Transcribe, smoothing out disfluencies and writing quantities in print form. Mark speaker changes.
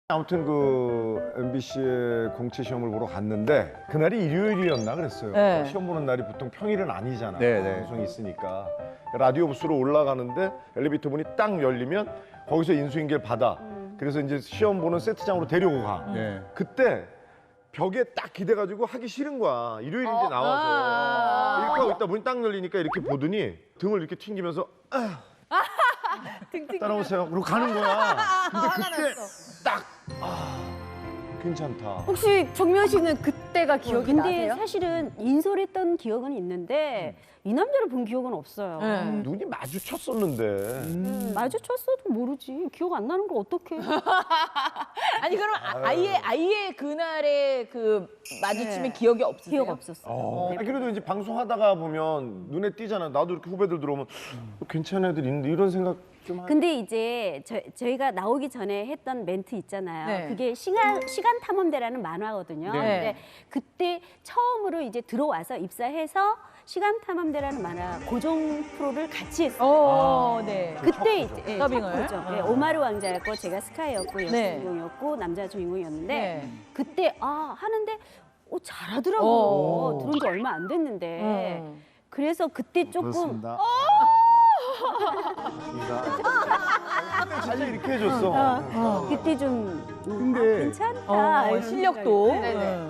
Speaker 1: 아무튼 그 MBC의 공채 시험을 보러 갔는데 그날이 일요일이었나 그랬어요.
Speaker 2: 네.
Speaker 1: 시험 보는 날이 보통 평일은 아니잖아.
Speaker 3: 네, 네.
Speaker 1: 방송이 있으니까. 라디오 부스로 올라가는데 엘리베이터 문이 딱 열리면 거기서 인수인계를 받아. 그래서 이제 시험 보는 세트장으로 데리고 가.
Speaker 3: 네.
Speaker 1: 그때 벽에 딱 기대가지고 하기 싫은 거야. 일요일인데 나와서. 이렇게 하고 있다 문이 딱 열리니까 이렇게 보더니 등을 이렇게 튕기면서 따라오세요. 그러고 가는 거야. 근데 그때 딱 괜찮다.
Speaker 4: 혹시 정면 씨는 그때가 기억이
Speaker 5: 근데
Speaker 4: 나세요?
Speaker 5: 사실은 인솔했던 기억은 있는데 이 남자를 본 기억은 없어요.
Speaker 1: 눈이 마주쳤었는데.
Speaker 5: 마주쳤어도 모르지. 기억 안 나는 걸 어떡해.
Speaker 2: 아니 그럼 아예 그날의 그 마주침의
Speaker 5: 네.
Speaker 2: 기억이 없으세요?
Speaker 5: 기억 없었어요.
Speaker 1: 아, 그래도 이제 방송하다가 보면 눈에 띄잖아. 나도 이렇게 후배들 들어오면 괜찮은 애들 있는데 이런 생각 좀
Speaker 5: 근데 이제 저희가 나오기 전에 했던 멘트 있잖아요.
Speaker 2: 네.
Speaker 5: 그게 시간 탐험대라는 만화거든요.
Speaker 2: 네.
Speaker 5: 근데 그때 처음으로 이제 들어와서 입사해서 시간 탐험대라는 만화 고정 프로를 같이 했어요.
Speaker 2: 네.
Speaker 5: 그때 이제 예,
Speaker 2: 더빙을?
Speaker 5: 첫 고정. 예, 오마르 왕자였고 제가 스카이였고 여자
Speaker 2: 네.
Speaker 5: 주인공이었고 남자 주인공이었는데
Speaker 2: 네.
Speaker 5: 그때 하는데 잘하더라고요. 들어온 지 얼마 안 됐는데. 그래서 그때 조금
Speaker 1: 그렇습니다. 진짜 이렇게 해줬어.
Speaker 5: 그때 좀
Speaker 1: 근데
Speaker 5: 괜찮다. 이런
Speaker 2: 실력도.
Speaker 5: 생각이.
Speaker 2: 네.